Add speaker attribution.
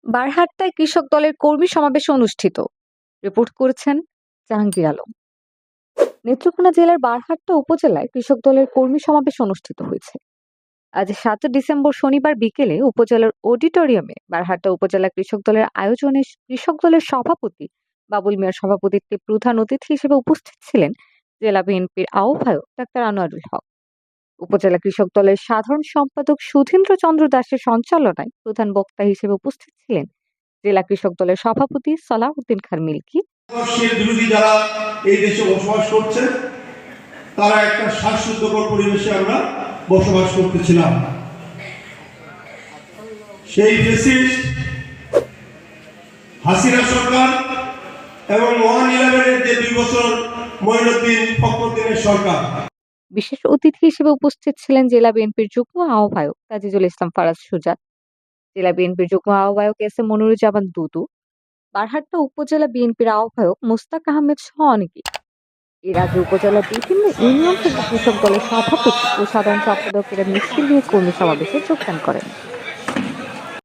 Speaker 1: বারহাট্টায় কৃষক দলের কর্মী সমাবেশ অনুষ্ঠিত। রিপোর্ট করেছেন জাহাঙ্গীর আলম। নেত্রকোনা জেলার বারহাট্টা উপজেলায় কৃষক দলের কর্মী সমাবেশ অনুষ্ঠিত হয়েছে। আজ ৭ ডিসেম্বর শনিবার বিকেলে উপজেলার অডিটোরিয়ামে বারহাট্টা উপজেলা কৃষক দলের আয়োজনে কৃষক দলের সভাপতি বাবুল মিয়ার সভাপতিত্বে প্রধান অতিথি হিসেবে উপস্থিত ছিলেন জেলা বিএনপির আহ্বায়ক ডাক্তার আনোয়ারুল হক। উপজেলা কৃষক দলের সাধারণ সম্পাদক সুধীন্দ্র চন্দ্র দাসের সঞ্চালনায় প্রধান বক্তা হিসেবে উপস্থিত ছিলেন জেলা কৃষক দলের সভাপতি সালাউদ্দিন খান মিল্কি।
Speaker 2: বিরোধী যারা এই দেশে বসবাস করছে তারা একটা শ্বাসরুদ্ধকর পরিবেশে আমরা বসবাস করতেছিলাম। সেই ফ্যাসিস্ট হাসিনা সরকার এবং 1/11-এর যে 2 বছর মঈনুদ্দিন ফখরুদ্দিনের সরকার।
Speaker 1: বিশেষ অতিথি হিসেবে উপস্থিত ছিলেন জেলা বিএনপির যুগ্ম আহ্বায়ক তাজিজুল ইসলাম ফারাজ সুজাত, জেলা বিএনপির যুগ্ম আহ্বায়ক এস এ মনিরুজ্জামান দুদু, বারহাট্টা উপজেলা বিএনপির আহ্বায়ক মোস্তাক আহমেদ সহ অনেকে। এর আগে উপজেলার বিভিন্ন ইউনিয়ন থেকে কৃষক দলের সভাপতি ও সাধারণ সম্পাদকেরা মিছিল নিয়ে কর্মী সমাবেশে যোগদান করেন।